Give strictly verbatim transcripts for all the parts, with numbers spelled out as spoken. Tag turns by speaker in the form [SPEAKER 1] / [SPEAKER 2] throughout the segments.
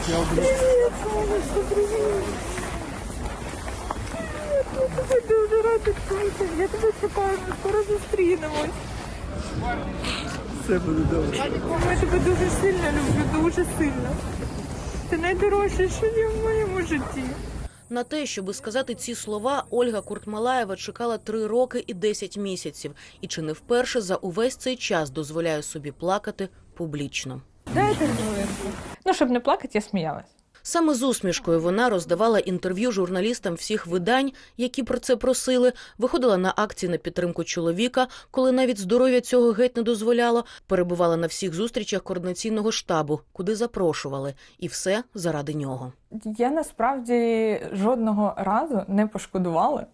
[SPEAKER 1] Я тебе дуже рада, я тебе чекаю, ми скоро зустрінемось.
[SPEAKER 2] Все буде добре.
[SPEAKER 1] Я тебе дуже сильно люблю, дуже сильно. Це найдорожче, що є в моєму житті.
[SPEAKER 3] На те, щоби сказати ці слова, Ольга Куртмалаєва чекала три роки і десять місяців. І чи не вперше за увесь цей час дозволяє собі плакати публічно.
[SPEAKER 1] Дайте хвилинку. Ну, щоб не плакати, я сміялась.
[SPEAKER 3] Саме з усмішкою вона роздавала інтерв'ю журналістам всіх видань, які про це просили, виходила на акції на підтримку чоловіка, коли навіть здоров'я цього геть не дозволяло, перебувала на всіх зустрічах координаційного штабу, куди запрошували. І все заради нього.
[SPEAKER 1] Я насправді жодного разу не пошкодувала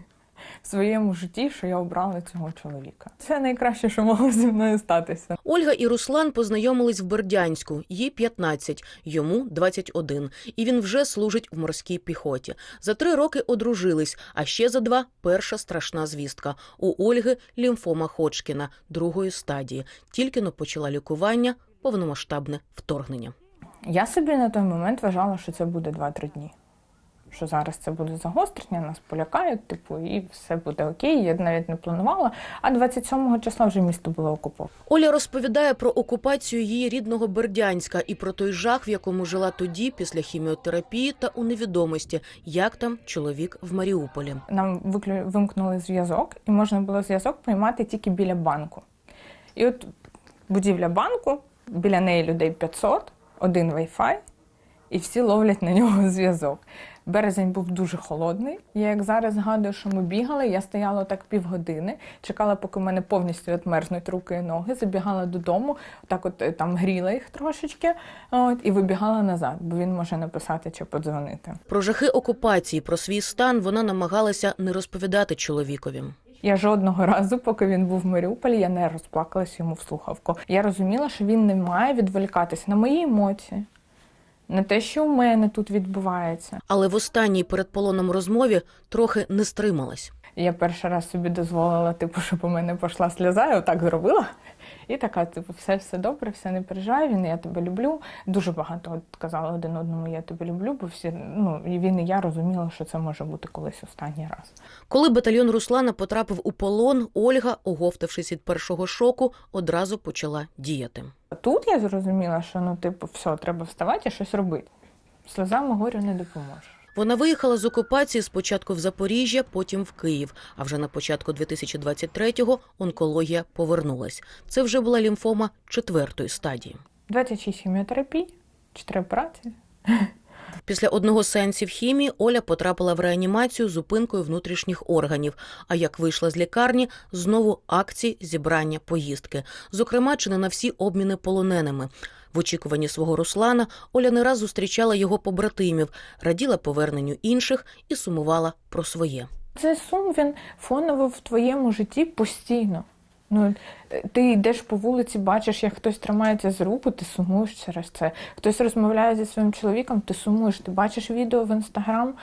[SPEAKER 1] в своєму житті, що я обрала цього чоловіка. Це найкраще, що могло зі мною статися.
[SPEAKER 3] Ольга і Руслан познайомились в Бердянську. Їй п'ятнадцять, йому двадцять один. І він вже служить в морській піхоті. За три роки одружились, а ще за два – перша страшна звістка. У Ольги лімфома Ходжкіна другої стадії. Тільки-но почала лікування, повномасштабне вторгнення.
[SPEAKER 1] Я собі на той момент вважала, що це буде два-три дні. Що зараз це буде загострення, нас полякають, типу, і все буде окей, я навіть не планувала. А двадцять сьомого числа вже місто було окуповане.
[SPEAKER 3] Оля розповідає про окупацію її рідного Бердянська і про той жах, в якому жила тоді, після хіміотерапії та у невідомості, як там чоловік в Маріуполі.
[SPEAKER 1] Нам виклю... вимкнули зв'язок, і можна було зв'язок приймати тільки біля банку. І от будівля банку, біля неї людей п'ятсот, один Wi-Fi, і всі ловлять на нього зв'язок. Березень був дуже холодний. Я як зараз згадую, що ми бігали, я стояла так півгодини, чекала, поки в мене повністю відмерзнуть руки і ноги, забігала додому, так от там гріла їх трошечки, от, і вибігала назад, бо він може написати чи подзвонити.
[SPEAKER 3] Про жахи окупації, про свій стан вона намагалася не розповідати чоловікові.
[SPEAKER 1] Я жодного разу, поки він був в Маріуполі, я не розплакалась йому в слухавку. Я розуміла, що він не має відволікатися на мої емоції, на те, що у мене тут відбувається.
[SPEAKER 3] Але в останній перед полоном розмові трохи не стрималась.
[SPEAKER 1] Я перший раз собі дозволила, типу, щоб у мене пішла сльоза, я отак зробила. І така, типу, все, все добре, все не переживай, він, я тебе люблю. Дуже багато казали один одному, я тебе люблю, бо всі, ну, і він і я розуміла, що це може бути колись останній раз.
[SPEAKER 3] Коли батальйон Руслана потрапив у полон, Ольга, оговтавшись від першого шоку, одразу почала діяти.
[SPEAKER 1] Тут я зрозуміла, що, ну, типу, все, треба вставати і щось робити. Сльозами горю не допоможе.
[SPEAKER 3] Вона виїхала з окупації спочатку в Запоріжжя, потім в Київ. А вже на початку дві тисячі двадцять третього онкологія повернулась. Це вже була лімфома четвертої стадії.
[SPEAKER 1] двадцять шість хіміотерапій, чотири операції.
[SPEAKER 3] Після одного з сеансів хімії Оля потрапила в реанімацію з зупинкою внутрішніх органів. А як вийшла з лікарні, знову акції, зібрання, поїздки. Зокрема, чи не на всі обміни полоненими. В очікуванні свого Руслана Оля не раз зустрічала його побратимів, раділа поверненню інших і сумувала про своє.
[SPEAKER 1] Цей сум, він фоново в твоєму житті постійно. Ну, ти йдеш по вулиці, бачиш, як хтось тримається за руку, ти сумуєш через це. Хтось розмовляє зі своїм чоловіком, ти сумуєш. Ти бачиш відео в Інстаграм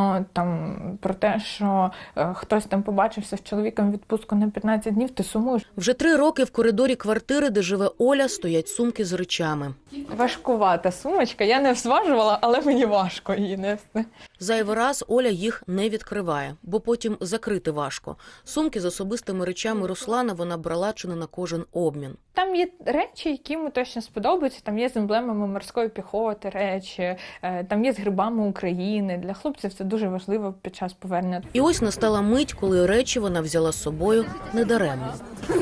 [SPEAKER 1] там про те, що е, хтось там побачився з чоловіком в відпустку на п'ятнадцять днів, ти сумуєш.
[SPEAKER 3] Вже три роки в коридорі квартири, де живе Оля, стоять сумки з речами.
[SPEAKER 1] Важкувата сумочка, я не зважувала, але мені важко її нести.
[SPEAKER 3] Зайвий раз Оля їх не відкриває, бо потім закрити важко. Сумки з особистими речами Руслана вона брала чи не на кожен обмін.
[SPEAKER 1] Там є речі, які йому точно сподобаються. Там є з емблемами морської піхоти речі, там є з грибами України. Для хлопців це дуже важливо під час повернення.
[SPEAKER 3] І ось настала мить, коли речі вона взяла з собою недаремно.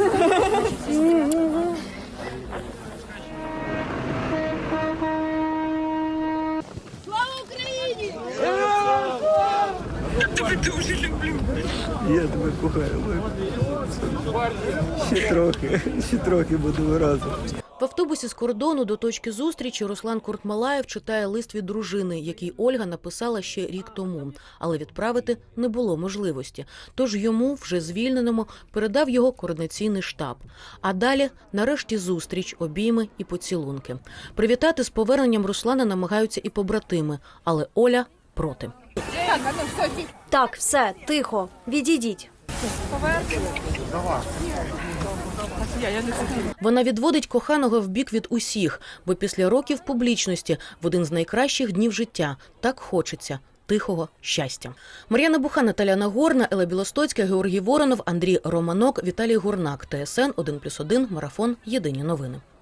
[SPEAKER 2] Я тебе дуже люблю. Я тебе кохаю. Ще трохи, ще трохи будемо разом.
[SPEAKER 3] В автобусі з кордону до точки зустрічі Руслан Куртмалаєв читає лист від дружини, який Ольга написала ще рік тому. Але відправити не було можливості. Тож йому, вже звільненому, передав його координаційний штаб. А далі, нарешті, зустріч, обійми і поцілунки. Привітати з поверненням Руслана намагаються і побратими, але Оля проти.
[SPEAKER 4] Так, все, тихо, відійдіть.
[SPEAKER 1] Повернемо.
[SPEAKER 3] Вона відводить коханого в бік від усіх, бо після років публічності в один з найкращих днів життя так хочеться тихого щастя. Мар'яна Буха, Наталя Нагорна, Елла Білостоцька, Георгій Воронов, Андрій Романок, Віталій Гурнак. Т С Н один плюс один, Марафон. Єдині новини.